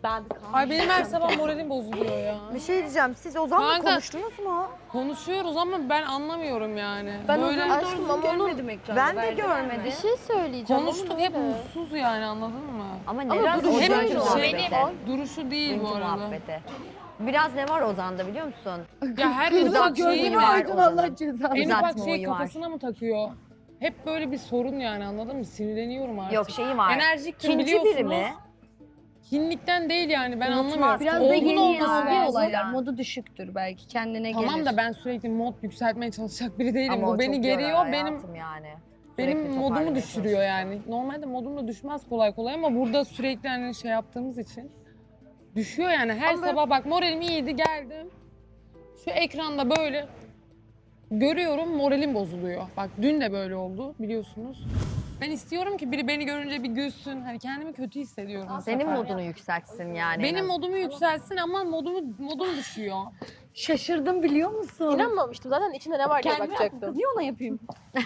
Ben Ay benim her sabah moralim bozuluyor ya. Bir şey diyeceğim. Siz Ozan'la Kanka- konuştunuz mu? Konuşuyoruz ama ben anlamıyorum yani. Ben Böyle Ozan'ı doğrusu görmedim ekranda. Ben de Verdi görmedim. bir şey söyleyeceğim. konuştuk hep mutsuz yani anladın mı? Ama biraz duruşu Ozan hep muhabbeti. Duruşu değil bu Günkü arada. muhabbeti. Biraz ne var Ozan'da biliyor musun? Ya her en ufak şeyi gözünü var. aydın Allah cezanı. En ufak Uzatma şeyi oyu var. kafasına mı takıyor? Hep böyle bir sorun yani anladın mı? Sinirleniyorum artık. Yok şeyi var. Enerjiktir İkinci biliyorsunuz. biri mi? Kinlikten değil yani ben Unutmaz. anlamıyorum. Biraz da Olgun yeni olması algı lazım. olaylar. Modu düşüktür belki. Kendine gelir. Tamam da ben sürekli mod yükseltmeye çalışacak biri değilim. Ama o Bu beni çok geriyor. yorar Benim hayatım yani. benim Sürekli modumu toparlamaya düşürüyor yani. Normalde modum da düşmez kolay kolay ama burada sürekli hani şey yaptığımız için düşüyor yani. Her sabah bak moralim iyiydi geldim. Şu ekranda böyle görüyorum moralim bozuluyor. Bak dün de böyle oldu biliyorsunuz. Ben istiyorum ki biri beni görünce bir gülsün. Hani kendimi kötü hissediyorum. bu Senin sefer. modunu yükseltsin yani. Benim modumu yükselsin ama modum düşüyor. Şaşırdım biliyor musun? İnanmamıştım. Zaten içinde ne var diye Kendime bakacaktım. Niye ona yapayım?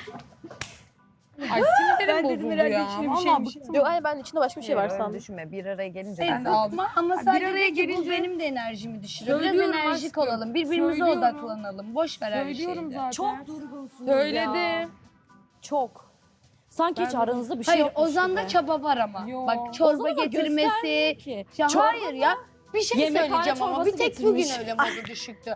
Ay sinirlerim Ben dedim bozuldu herhalde ya. içine bir Vallahi şey bıktım. Yok ay ben içinde başka bir şey var Öyle sandım. düşünme. Bir araya gelince Evet, ben de aldım. bıkma ama sadece bir araya de ki bu gelince- benim de enerjimi düşürüyor. Biraz Söylüyorum enerjik aşkım, olalım. Birbirimize söylüyorum. odaklanalım. Boş ver her Söylüyorum şeyi. zaten. Çok durgunsunuz Söyledim. ya. Çok. Sanki hiç Ben- aranızda bir şey Hayır yokmuş Ozan'da gibi. çaba var ama. Yok. Bak çorba Ozan ama getirmesi. göstermiyor ki. Ya Çorbada hayır ya. Bir şey yemekhane söyleyeceğim ama bir çorbası tek bugün getirmiş. öyle modu düşüktü.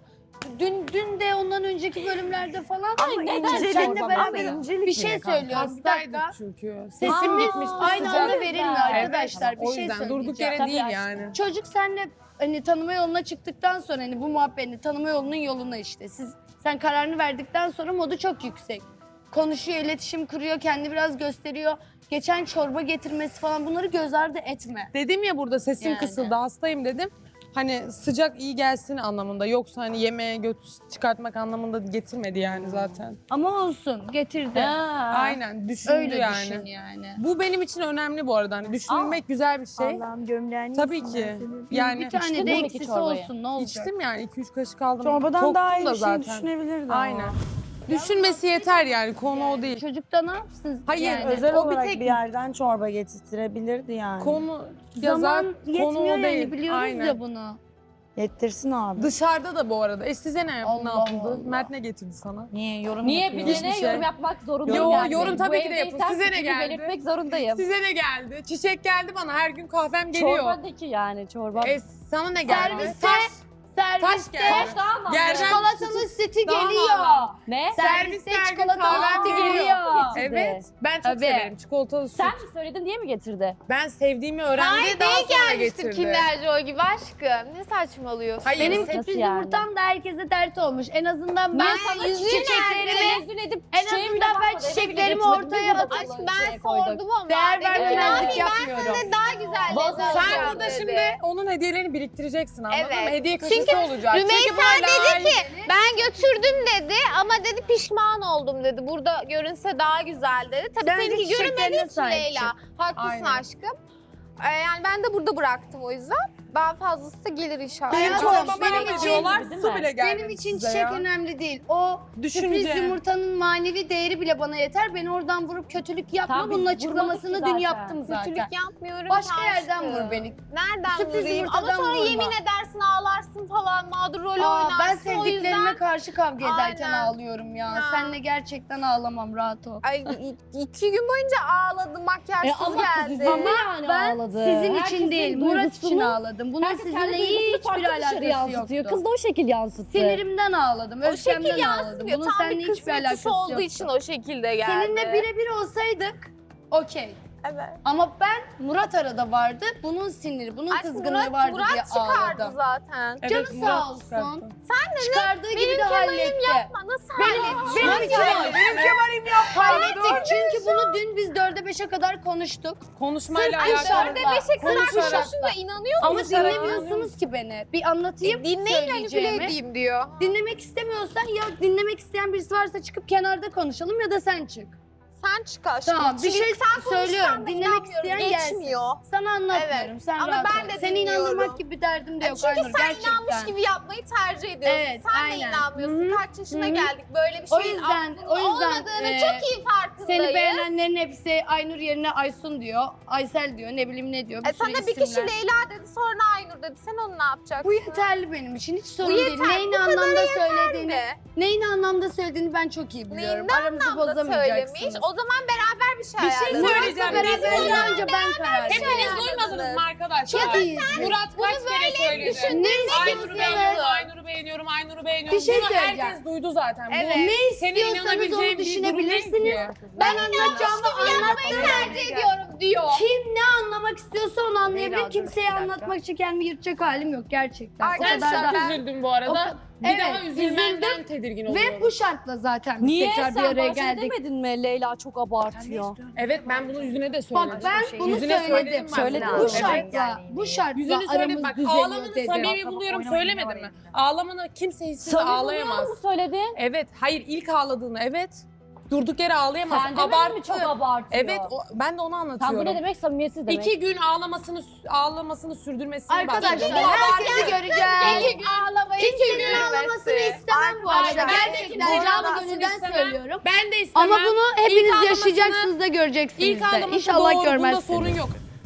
Dün de ondan önceki bölümlerde falan Ay, neden senle çorba beraber mesela? bir şey söylüyoruz. Bir Hastaydık dakika. çünkü. Sesimiz gitmişti aynı sıcak. anda verilmiyor arkadaşlar. Evet, Bir o şey yüzden söyleyeceğim. durduk yere Tabii değil aşkım. yani. Çocuk senle hani tanıma yoluna çıktıktan sonra hani bu muhabbetini tanıma yolunun yoluna işte. Sen kararını verdikten sonra modu çok yüksek. Konuşuyor, iletişim kuruyor, kendi biraz gösteriyor. Geçen çorba getirmesi falan bunları göz ardı etme. Dedim ya burada sesim Yani. kısıldı hastayım dedim. Hani sıcak iyi gelsin anlamında yoksa hani yemeğe göt çıkartmak anlamında getirmedi yani zaten. Ama olsun getirdi. Aynen düşündü Öyle yani. düşün yani. Bu benim için önemli bu arada. Hani düşünmek güzel bir şey. Allah'ım gömleğini Tabii yesin ki. ben senin. Yani Bir tane İçtin de mi ki eksisi çorbayı? olsun ne olacak? içtim yani 2-3 kaşık aldım. Çorbadan Toktum daha iyi da bir şey düşünebilirdi ama. Aynen. Düşünmesi yeter yani konu o değil. Çocuk da ne yapsın? Hayır, yani? Özel O bir olarak tek- bir yerden çorba getirtirebilirdi yani. Konu yazar, Zaman konu yetmiyor o yani değil. biliyoruz Aynen. ya bunu. Yettirsin abi. Dışarıda da bu arada. Size ne Allah yapıldı? Allah. Mert ne getirdi sana? Niye yorum Niye yapıyor? bir de ne Hiçbir şey. yorum yapmak zorundayım Yo, yani. yorum tabii Bu ki de evdeysem yapın. Size ne fikrimi geldi? belirtmek zorundayım. Size ne geldi? Çiçek geldi bana. Her gün kahvem geliyor. Çorbadaki yani çorba. Sana ne geldi? Serviste- Taş Serviste geldi. daha mı? Yerden çikolatalı seti Daha geliyor. mı Ne? Serviste her gün çikolatalı kahvem seti geliyor. geliyor. Evet. Ben çok Tabii. severim çikolatalı süt. Sen mi söyledin diye mi getirdi? Ben sevdiğimi öğrendi daha sonra getirdi. Kinder Joy gibi aşkım. Ne saçmalıyorsun? Hayır, Benim Nasıl sürpriz yani? yumurtam da herkese dert olmuş. En azından ben sana çiçeklerimi Tenezzül edip en çiçeğe bile azından ben bakmadı, eve bile çiçeklerimi götürmedim, ortaya biz de atıp Aşkım ben şeye koyduk. sordum ama. değer Dedim ki, ne vermemezlik yapayım, yapmıyorum. Ben daha güzel Vallahi lezzet Sen alacağım burada dedi. şimdi onun hediyelerini biriktireceksin anladın Evet. mı? Hediye kaşısı Çünkü olacak. Rümeysa böyle dedi ki ben götürdüm dedi ama dedi pişman oldum dedi. Burada görünse daha güzel dedi. Tabii Bence seninki çiçeklerine görünmediği için sahip Leyla. Haklısın Aynen. aşkım. Yani ben de burada bıraktım o yüzden. Daha fazlası da gelir inşallah. Benim Hayatım, çorbama benim ne için- diyorlar? değil Su mi? bile gelmedi Benim için size çiçek ya. önemli değil. O Düşünce. sürpriz yumurtanın manevi değeri bile bana yeter. Beni oradan vurup kötülük yapma. Tamam, biz Bunun vurmadık açıklamasını ki dün zaten. yaptım zaten. Kötülük yapmıyorum. Başka aşkım. yerden vur beni. Nereden Sürpriz vurayım? Ama yumurtadan sonra vurma. yemin edersin ağlarsın falan mağdur rolü Aa, oynarsın. ben O sevdiklerime yüzden... karşı kavga ederken Aynen. ağlıyorum ya. Ya. Seninle gerçekten ağlamam, rahat ol. Ay 2 gün boyunca ağladım makyajsız Ama geldi. kız ama yani Ben ağladı. sizin Herkesin için değil, Murat için duygusunu- ağladım. Bunun Herkes kendi sizinle duygusunu hiçbir farklı dışarı alakası yansıtıyor. yoktu. Kız da o şekil yansıttı. Sinirimden ağladım, O şekil öfkemden ağladım. yansıtıyor. Bunun Tam seninle bir hiçbir kısmet alakası dışı olduğu yoktu. için o şekilde geldi. Seninle birebir olsaydık, okey. Evet. Ama ben Murat arada vardı, bunun siniri, bunun Aşkım kızgınlığı vardı Murat diye çıkardı ağladım. zaten. Evet, Canı Murat sağ olsun. çıkarttı. Çıkardığı gibi Benim de halletti. yapma. Nasıl halledin? Benim için Benim Kemal'im yapma. hallettik çünkü bunu dün biz 4'e 5'e kadar konuştuk. Konuşmayla Ay alakalı. dörde beşe kadar Konuşarak. konuşuyorsun da inanıyor Ama musun? dinlemiyorsunuz ki beni. Bir anlatayım Dinleyin manipüle söyleyeceğimi. edeyim diyor. Dinlemek istemiyorsan ya dinlemek isteyen birisi varsa çıkıp kenarda konuşalım ya da sen çık. Sen çık aşkım. Tamam, bir Çünkü şey sen konuşsan söylüyorum. da Dinlemek inanmıyorum, isteyen gelsin. geçmiyor. Sana anlatmıyorum. Evet. Sen Ama rahat ben ol. de Seni dinliyorum. inandırmak gibi bir derdim de yok Çünkü Aynur, sen gerçekten. inanmış gibi yapmayı tercih ediyorsun. Evet, sen aynen. de inanmıyorsun. Hı hı. Kaç yaşına Hı hı. geldik böyle bir O şeyin yüzden- aklının o yüzden, olmadığını çok iyi farkındayız. Seni beğenenlerin hepsi Aynur yerine Aysun diyor, Aysel diyor, ne bileyim ne diyor. Bir Sana sürü bir kişi isimler. Leyla dedi sonra var dedi. Sen onu ne yapacaksın? Bu yeterli benim için. Hiç sorun Bu değil. yeter, Neyin bu kadar anlamda söylediğini, de. neyin anlamda söylediğini ben çok iyi biliyorum. Neyin Aramızı anlamda bozamayacaksınız. söylemiş. O zaman beraber bir şey Bir şey ayarlayalım. söyleyeceğim. Beraber Biz burada olunca ben karar veriyorum. hepiniz duymadınız mı arkadaşlar? Çok iyiyiz. Murat kaç kere söyledi. düşündüğünüz Aynur'u gibi beğeniyorum, Aynur'u beğeniyorum, Aynur'u beğeniyorum. Bir şey Bunu söyleyeceğim. herkes duydu zaten. Evet. Bu Ne senin istiyorsanız inanabileceğin onu bir durum değil düşünebilirsiniz. ki. Ben anlatacağımı anlattım. tercih ediyorum diyor. Kim ne anlamak istiyorsa onu anlayabilir. Leyla, dur Kimseye bir dakika. anlatmak için kendimi yırtacak halim yok gerçekten. O Sen kadar çok da. üzüldün bu O arada. ka- Bir Evet, daha üzülmenden tedirgin oluyorum. Ve bu şartla zaten biz Niye tekrar bir sen araya başta geldik. demedin mi Leyla çok abartıyor? Evet ben bunu yüzüne de söyledim. Bak ben bunu Yüzüne söyledim. söyledim ben Söyledin bunu. mi? Bu şartla, Evet. bu şartla Yüzünü söyledim aramız bak düzeliyor ağlamanı dedim. samimi buluyorum söylemedim mi? Ağlamanı kimse hissiz ağlayamaz. mu söyledin? Evet hayır ilk ağladığını evet. Durduk yere ağlayamaz. Sen demedin mi çok abartıyor? Evet ben de onu Tam anlatıyorum. bu ne demek samimiyetsiz demek. 2 gün ağlamasını sürdürmesini Arkadaşlar bahsediyorum. herkesi göreceğiz. Ağlamayı Kimsenin ağlamasını istemem bu arada. Gerçekten kimsenin canı ağlamasını gönülden istemem. söylüyorum. Ben de istemem. Ama bunu hepiniz ağlamasını- yaşayacaksınız da göreceksiniz İlk de. ağlaması İnşallah doğru. Bunda görmezsiniz. sorun yok.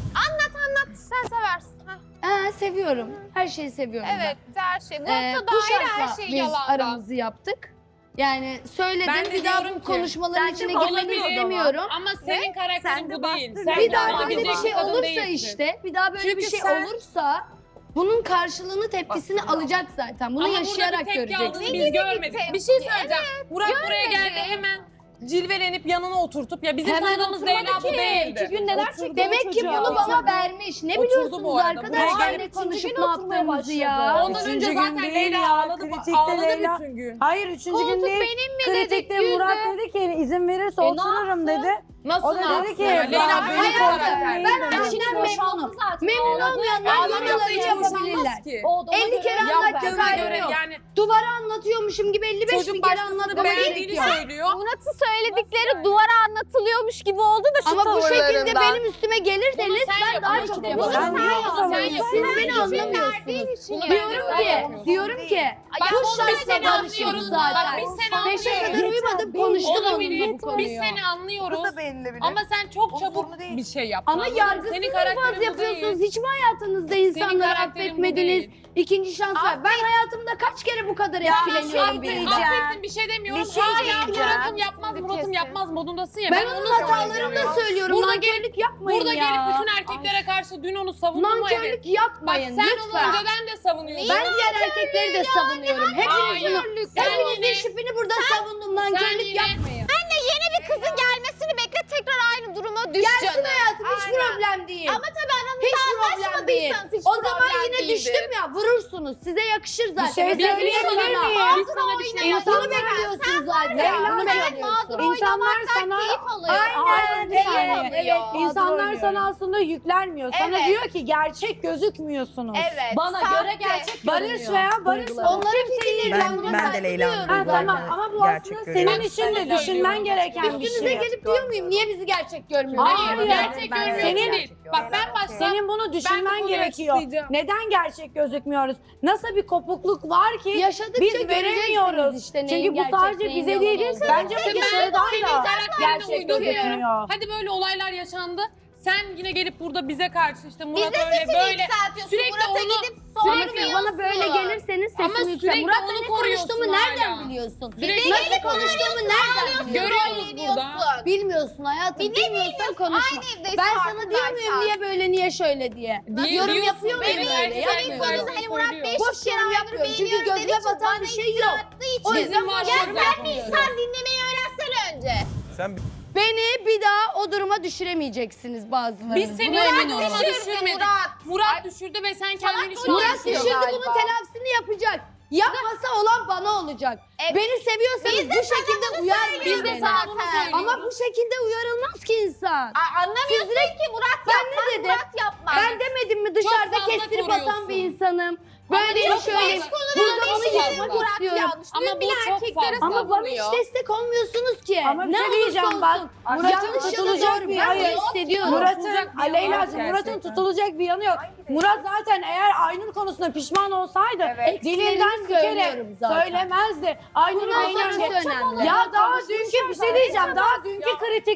sen seversin. Heh, Seviyorum. Her şeyi seviyorum ben. evet her şey. Bu Murat'la dahil her şartla şey biz yalandan. aramızı yaptık. Yani söyledim Ben de bir daha diyorum bu ki, konuşmaların sence içine girmek olabilir istemiyorum. Ama senin karakterin Sen de bu değil. bastın. Sen Bir daha devam böyle bir edecek şey kadın olursa değilsin. işte, bir daha böyle Çünkü bir şey sen- olursa bunun karşılığını, tepkisini alacaksınız zaten. Bunu Ama yaşayarak burada bir tepki aldığını göreceksiniz. biz görmedik. Bir şey söyleyeceğim. Murat buraya geldi hemen cilvelenip yanına oturtup ya bizim Hemen tanıdığımız oturmadı Leyla bu ki. değildi. 2 gün neler Oturdu. çekti Demek ki çocuğa. bunu bana vermiş. Ne Oturdu biliyorsunuz bu arada. arkadaşlar Buraya ne gelip konuşup gün ne oturmaya yaptığımızı ya. başladı. Ondan Üçüncü önce gün zaten değil Leyla ya, ağladı, kritikte ağladı Leyla. bütün gün. Hayır üçüncü gün değil. benim mi Kritikte dedik, Murat güldü. dedi ki izin verirse ne otururum dedi. Nasıl O da ne dedi yapsın? ki, ya? Leyla "Bana böyle hayatım, karakter. Ben dedi. aşkından memnunum. zaten. Memnun olmayanlar Ağlamakla yorumları hiç yapabilirler. boşanmaz ki. O da ona 50 göre kere yapar. anlatacağız, Yaptığına hayrı göre yok. yani Duvara anlatıyormuşum gibi 55 çocuk bin kere başkasını anlatmama gerek beğendiğini yok. söylüyor. Murat'ın söyledikleri duvara anlatılıyormuş gibi oldu da şu Ama bu şekilde tavırlarından. benim üstüme gelirseniz Bunu sen ben daha yapıyorsun. çok Bunu yaparım. sen yapıyorsun. Sen Siz yapıyorsun. Siz beni Bunu anlamıyorsunuz. Bunu Diyorum ben ki, yapıyorum. diyorum ki Bak, bu bunu biz seni şartla anlıyoruz barışıyoruz zaten. zaten. Biz seni 5'e kadar anlıyoruz. uyumadım konuştum Olabilir. onunla bu konuyu. Biz seni anlıyoruz. Bu da beğenilebilir. Ama sen çok Onun çabuk sorunu değil. bir şey yaptın. Ama anladın mı? yargısız Senin infaz karakterin bu yapıyorsunuz. değil. Hiç mi hayatınızda insanları karakterin bu affetmediniz? değil. İkinci şans var. Ben hayatımda kaç kere bu kadar etkileniyorum Affettim, birinden. affettim bir şey demiyorum. Bir şey Hala diyeceğim. Murat'ım yapmaz, Murat'ım Kesin. yapmaz modundasın ya. Ben onu onun söylüyorum hatalarını ya. da söylüyorum. Burada Nankörlük yapmayın Burada ya. gelip bütün erkeklere karşı dün onu savundun mu evet? Nankörlük Bak yapmayın sen onu lütfen. önceden de savunuyorsun. Ben diğer erkekleri de savunuyorum. Hepiniz Hayır. bunu, Sen hepinizin yine- şüphini burada savundum. Nankörlük yine- yapmayın. Yeni bir kızın gelmesini bekle tekrar aynı duruma düş Gelsin canım. hayatım hiç Aynen. problem değil. Ama tabii aranızda Hiç problem değil. anlaşmadıysanız hiç O zaman problem yine değildir. düştüm ya vurursunuz. Size yakışır zaten. şey Biz söyleyebilir biliyorsunuz miyim? ama. Biz sana bir şey Bunu bekliyorsunuz zaten. Bunu Sen bekliyorsun. mağdur İnsanlar sana keyif alıyor. Aynen, Keyif evet, alıyor. İnsanlar sana aslında yüklenmiyor. Sana Evet. diyor ki gerçek gözükmüyorsunuz. Evet. Bana sahte. göre gerçek Barış görünüyor. veya Barış Duyguları. Onların fikirleri Ben- buna ben de saygı Leyla'nın duyuyorum. Ha, duygularını tamam ama bu gerçek aslında görüyorum. senin için de söylüyorum. düşünmen gereken bir Üstünüze şey. gelip diyor muyum? Niye bizi gerçek görmüyorsunuz? Hayır, Hayır. gerçek Ben- görmüyorsun Senin- değil. Bak ben başta Senin bunu düşünmen konuyu gerekiyor. açıklayacağım. Neden gerçek gözükmüyoruz? Nasıl bir kopukluk var ki Yaşadıkça biz göreceksiniz veremiyoruz. işte neyin Çünkü bu gerçek, sadece neyin bize yalan değil. olduğunu. Bence Ben de dışarıdan senin da karakterini gerçek uyduruyorum. gözükmüyor. Hadi böyle olaylar yaşandı. Sen yine gelip burada bize karşı işte Murat Biz de öyle sesini böyle yükseltiyorsun. sürekli Murat'a onu- gidip Ama sormuyorsun. siz bana böyle gelirseniz Ama sesini yükselt. sürekli Murat'la onu ne koruyorsun konuştuğumu nereden hala. biliyorsun? Sürekli Nasıl onu konuştuğumu nereden biliyorsun? Görüyoruz burada. Bilmiyorsun hayatım. Bir de Bilmiyorsan konuşma. Aynı evdeyiz Ben sana diyor muyum farkındaysan. niye böyle niye şöyle diye. Yorum diyorsun, yapıyor muyum evet, öyle? evet, Yapmıyorum. Hani Murat Bey Boş yorum yapmıyorum çünkü gözüme batan bir şey yok. O Bizim yüzden var, boş bizim yorum var. yapmıyorum. Sen dinlemeyi öğrensene önce. Sen Beni bir daha o duruma düşüremeyeceksiniz bazılarınız. Biz seni Buna öyle emin olun. duruma düşürmedik. Murat düşürdü ve sen kendini şu an Murat konuşuyor düşürdü galiba. bunun telafisini yapacak. Yapmasa olan bana olacak. Evet. Beni seviyorsanız bu şekilde uyarmayın Biz de beni. sana bunu söylüyoruz. Ama bu şekilde uyarılmaz ki insan. Anlamıyorsun ki Murat Ben yapmaz, ne dedim? Murat yapmaz. Ben demedim mi dışarıda fazla kestirip koruyorsun. atan bir insanım. Böyle çok şöyle fazla- burada onu çok yıkmak fazla. istiyorum. Ama bu çok fazla. Ama bana hiç destek olmuyorsunuz ki. Ama bir ne şey olursa diyeceğim olsun. bak. Murat'ın Yanlış ya da tutulacak doğru, bir ben bunu hayır. hissediyorum. Murat'ın, Tutulacak bir yanı yok Leyla'cığım Murat'ın gerçekten. tutulacak bir yanı yok. Murat zaten eğer Aynur konusunda pişman olsaydı dilinden bir kere söylüyorum zaten. söylemezdi. Aynur'u Bundan sonrası beğenince. önemli. Ya daha dünkü bir şey diyeceğim. Daha dünkü kritikte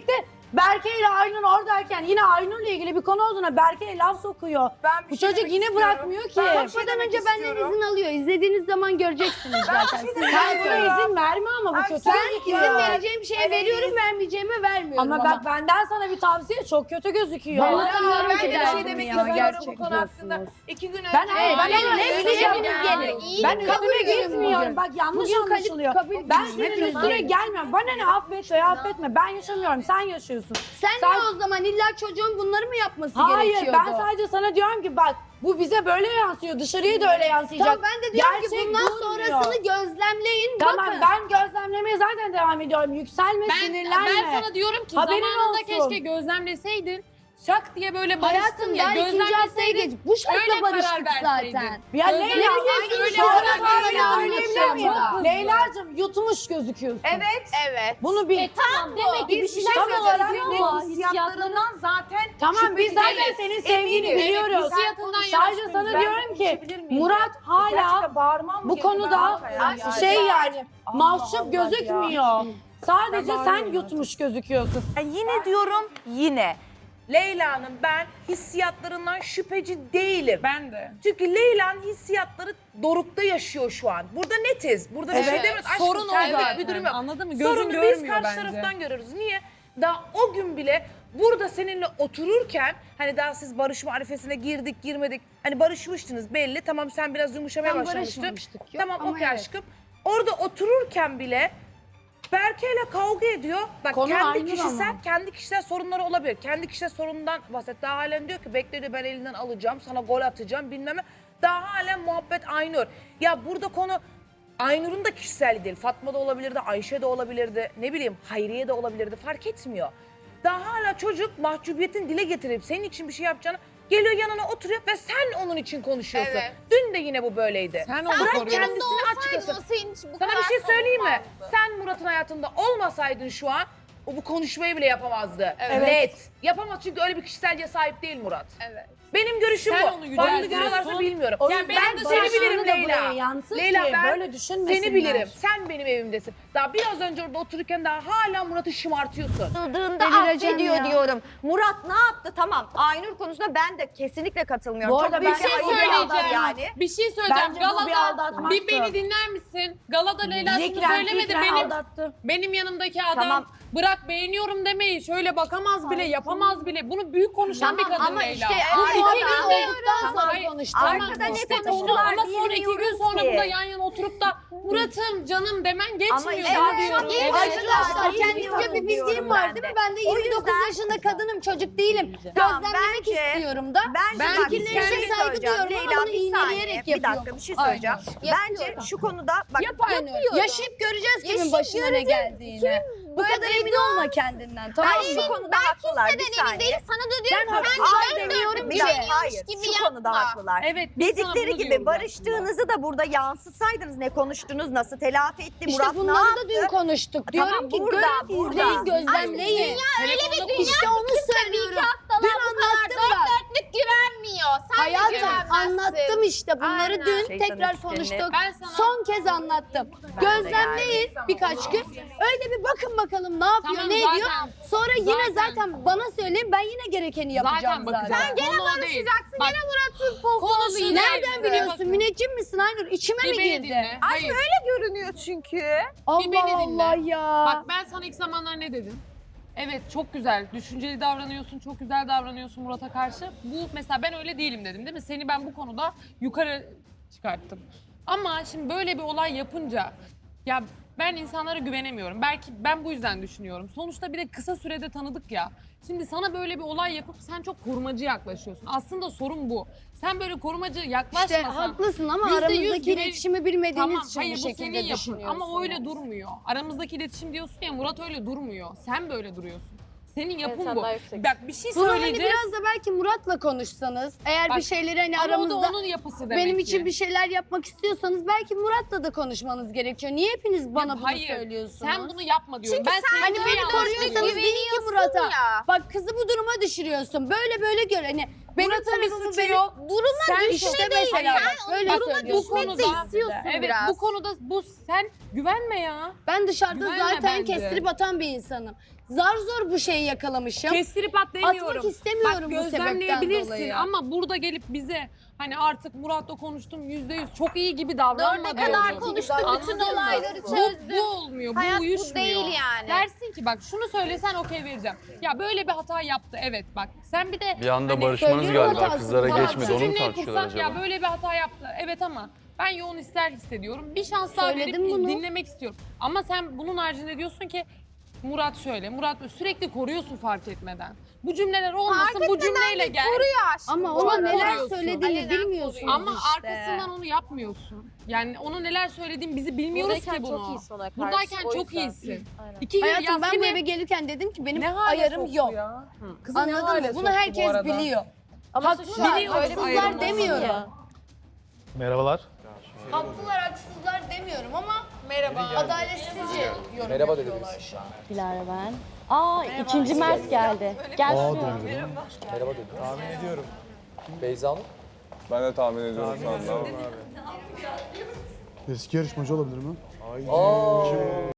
Berke ile Aynur oradayken yine Aynur'la ilgili bir konu olduğuna Berke'ye laf sokuyor. Ben bir Bu şey çocuk demek yine istiyorum. bırakmıyor ki. Ben bir şey Sokmadan demek önce benden istiyorum. izin alıyor. İzlediğiniz zaman göreceksiniz zaten. Siz Sen buna izin verme ama bu Ay, kötü. sen gözüküyor. izin vereceğim şeye Evet. veriyorum, vermeyeceğime vermiyorum Ama bak benden sana bir tavsiye çok kötü gözüküyor. Bana tanıyorum Ben ki de bir şey derdim demek ya, istiyorum gerçekten. bu konu hakkında. 2 gün önce... Ben hayır, ben Hayır, ona hayır, üstüne öyle gelmiyorum. gelin. İyi Ben kabul üstüne ediyorum gitmiyorum. bugün. Bak yanlış Bugün anlaşılıyor. kabul Ben ediyorum. senin Hepimiz üstüne gelin. gelmiyorum. Bana ne affet veya affetme. Ben yaşamıyorum. Sen yaşıyorsun. Sen Sen- ne o zaman illa çocuğun bunları mı yapması Hayır gerekiyordu? ben sadece sana diyorum ki bak bu bize böyle yansıyor. Dışarıya da öyle yansıyacak. Tamam ben de diyorum ki Gerçek bundan durmuyor. sonrasını gözlemleyin. Tamam bakın. ben gözlemlemeye zaten devam ediyorum. Yükselme, sinirlenme. Ben sana diyorum ki Haberin zamanında olsun. keşke gözlemleseydin. Şak diye böyle barıştın Hayatım ya. daha ikinci haftaya geç. Bu öyle şartla karar barıştık verseydin. zaten. Ya Leyla, Gözlemlemeyeceksin, öyle sonra karar böyle söyleyebilir miyim? anlaşılmıyor. Leyla'cığım yutmuş gözüküyorsun. Evet. Bunu bil. Tamam demek ki bir şeyler tam olarak söylüyor ama hissiyatlarından hissiyatlarından zaten Tamam biz zaten değiliz. senin sevgini Eminiz. biliyoruz. Hissiyatından Sadece yanaşmıyoruz. sana Ben diyorum ki konuşabilir miyim? Murat hala Gerçekten bağırmam mı bu gerekiyor? konuda Ben ya. şey yani Allah mahcup Allah gözükmüyor. Sadece Ben sen bağırıyorum yutmuş gözüküyorsun. Yine diyorum yine. Leyla'nın ben hissiyatlarından şüpheci değilim. Ben de. Çünkü Leyla'nın hissiyatları dorukta yaşıyor şu an. Burada netiz. Burada bir şey Evet, demiyoruz. Aşkım sorun o senlik zaten. bir durum yok. Anladın mı? Gözün Sorunu görmüyor biz karşı bence. taraftan görüyoruz. Niye? Daha o gün bile burada seninle otururken hani daha siz barışma arifesine girdik girmedik. Hani barışmıştınız belli. Tamam sen biraz yumuşamaya Tam başlamıştın. barışmamıştık. Yok, Tamam ama okey evet. aşkım. Orada otururken bile Berke'yle kavga ediyor. Bak Konu kendi aynı kişisel, ama. kendi kişisel sorunları olabilir. Kendi kişisel sorunundan bahset. Daha halen diyor ki bekle diyor ben elinden alacağım, sana gol atacağım bilmem ne. Daha halen muhabbet Aynur. Ya burada konu Aynur'un da kişisel değil. Fatma da olabilirdi, Ayşe de olabilirdi, ne bileyim Hayriye de olabilirdi fark etmiyor. Daha hala çocuk mahcubiyetin dile getirip senin için bir şey yapacağını geliyor yanına oturuyor ve sen onun için konuşuyorsun. Evet. Dün de yine bu böyleydi. Sen onu Bırak koruyorsun. kendisini açıklasın. O senin için bu Sana kadar bir şey söyleyeyim mi? savunmazdı. Sen Murat'ın hayatında olmasaydın şu an o bu konuşmayı bile yapamazdı. Evet. Net. Yapamaz çünkü öyle bir kişiselce sahip değil Murat. Evet. Benim görüşüm Sen bu. onu Farklı yüceltiyorsun. görüyorlarsa bilmiyorum. O Yani yüzden benim de seni barışını bilirim da Leyla. buraya yansıt Leyla ki ben böyle düşünmesinler. seni bilirim. Sen benim evimdesin. Daha biraz önce orada otururken daha hala Murat'ı şımartıyorsun. Atıldığında Delireceğim affediyor ya. diyorum. Murat ne yaptı? Tamam. Aynur konusunda ben de kesinlikle katılmıyorum. Bu arada Çok büyük ben bir şey ayıp söyleyeceğim. yaptı yani. Bir şey söyleyeceğim. Bence bu bir Galada aldatmaktı. bir beni dinler misin? Galada Leyla şunu Zikren, söylemedi. fikren Benim aldattı. benim yanımdaki adam Tamam. bırak beğeniyorum demeyi şöyle bakamaz bile yapamaz bile. Bunu büyük konuşan bir Tamam kadın ama Leyla. işte Bu arkada iki günde Olduktan sonra Hayır, konuştuk. Arkada ne işte konuştular ama sonra 2 gün bilmiyoruz sonra ki. burada yan yana oturup da Murat'ım canım demen geçmiyor. Ama ya işte diyorum. evet. Arkadaşlar Evet. kendimce bir Diyorum bildiğim var ben değil mi? de. Ben de O 29 yüzden- yaşında kadınım, çocuk değilim. Tamam, Gözlemlemek bence- istiyorum da. Bence Ben bak bir fikirlerine şey saygı söyleyeceğim. duyuyorum ama Leyla bunu bir saniye. iğneleyerek Bir dakika yapıyorum. bir şey söyleyeceğim. Bence Yapıyorum. şu konuda bak Aynen. Yaşayıp göreceğiz kimin Yaşayıp başına ne göreceğiz. geldiğini. Bu kadar emin olma kendinden, tamam ben mı? şu konuda haklılar bir Kimseden emin saniye. değil. Sana da diyorum ki Hayır, sen demiyorum bir ki dakika, biliyormuş hayır. gibi Şu yapma. konuda haklılar. Evet. biz sana Dedikleri bunu gibi diyoruz barıştığınızı da burada yansıtsaydınız ne konuştunuz, nasıl telafi etti, İşte Murat ne bunları yaptı? da dün konuştuk. Diyorum Tamam, ki burada, görün, burada. izleyin, gözlemleyin. Telefonda İşte onu söylüyorum. Dün anlattım ben. Dörtlük güvenmiyor. Sen de Hayatım güvenmezsin. anlattım işte bunları Aynen. dün Şeytanın tekrar üçgenini. konuştuk. Ben sana- Son kez anlattım. Gözlemleyin birkaç gün. Öyle bir bakın bakalım ne yapıyor, Tamam, ne zaten- ediyor. Sonra yine zaten- zaten bana söyleyin, ben yine gerekeni yapacağım Zaten bakacağız. zaten. Gene barışacaksın, Bak, gene Murat'ın pohpoğlu konuşun. yine. Nereden biliyorsun? Müneccim misin Aynur? İçime mi Bir beni girdi? dinle. Hayır. Görünüyor çünkü. Allah beni dinle. Allah ya. Bak ben sana ilk zamanlar ne dedim? Evet çok güzel, düşünceli davranıyorsun, çok güzel davranıyorsun Murat'a karşı. Bu mesela ben öyle değilim dedim değil mi? Seni ben bu konuda yukarı çıkarttım. Ama şimdi böyle bir olay yapınca ya ben insanlara güvenemiyorum. Belki ben bu yüzden düşünüyorum. Sonuçta bir de kısa sürede tanıdık ya. Şimdi sana böyle bir olay yapıp sen çok korumacı yaklaşıyorsun. Aslında sorun bu. Sen böyle korumacı İşte yaklaşmasan... haklısın ama %100 aramızdaki güven- iletişimi bilmediğiniz Tamam, için hayır bu bu şekilde senin yapın düşünüyorsunuz. ama öyle durmuyor. Aramızdaki iletişim diyorsun ya Murat öyle durmuyor. Sen böyle duruyorsun. Senin yapın sen bu. daha yüksek. Bak bir şey Bunu hani söyleyeceğiz. biraz da belki Murat'la konuşsanız, eğer Bak, bir şeyleri hani ama o da aramızda onun yapısı demek benim ki. için bir şeyler yapmak istiyorsanız belki Murat'la da konuşmanız gerekiyor. Niye hepiniz bana bunu hayır, söylüyorsunuz? Sen bunu yapma diyorum. Çünkü ben sen seni Hani çok beni yanlış koruyorsanız biliyorum. deyin ki Güveniyorsun Murat'a. ya. Bak kızı bu duruma düşürüyorsun. Böyle böyle gör. Hani benim Murat'ın bir tarafımı suçu benim... yok. Duruma Sen düşme işte değil. mesela Sen bak, onu böyle duruma söylüyorsun. düşmek de istiyorsun Evet biraz. bu konuda bu sen güvenme ya. Ben dışarıda Güvenme zaten bence. kestirip atan bir insanım. Zar zor bu şeyi yakalamışım. Kestirip at demiyorum. Atmak istemiyorum Bak, bu sebepten gözlemleyebilirsin dolayı. ama burada gelip bize hani artık Murat'la konuştum %100 çok iyi gibi davranma Ne kadar diyorsun. konuştuk, bütün Anladın mı? olayları Bu çözdük. olmuyor, Hayat bu bu uyuşmuyor. değil yani. Dersin ki bak şunu söylesen okey vereceğim. Ya böyle bir hata yaptı evet bak. Sen bir de Bir anda hani barışmanız söylüyorum galiba hatasını. kızlara Tamam, geçmedi şu onu mu cümleyi tartışıyorlar kursak acaba? ya böyle bir hata yaptı. Evet ama ben yoğun ister hissediyorum. Bir şans daha Söyledim verip bunu. dinlemek istiyorum. Ama sen bunun haricinde diyorsun ki Murat şöyle, Murat böyle sürekli koruyorsun fark etmeden. Bu cümleler olmasın, bu cümleyle gel. Koruyor aşkım. Ama Çok ona neler koruyorsun. söylediğini Alenen bilmiyorsunuz koruyor. Ama işte. arkasından onu yapmıyorsun. Yani ona neler söylediğini bizi bilmiyoruz Buradayken ki bunu. çok iyisin ona karşı. Buradayken o çok yüzden. iyisin. Aynen. 2 yıl Hayatım ya ben bu seni- eve gelirken dedim ki benim Ne hale ayarım soktu yok. ya? Kızı ne Anladın hale mı? soktu Bunu bu herkes arada? biliyor. Ama Haklılar, suçlar, öyle bir haksızlar ayrım olsun demiyorum. ya. Merhabalar. Haklılar, haksızlar demiyorum ama adaletsizce yorum Merhaba yapıyorlar şu an. Dilara ben. Aa ikinci Mert geldi. Gel şuraya. Merhaba dedim. Tahmin ediyorum. Beyza Hanım. Ben de tahmin ediyorum şu anda. Eski yarışmacı olabilir mi?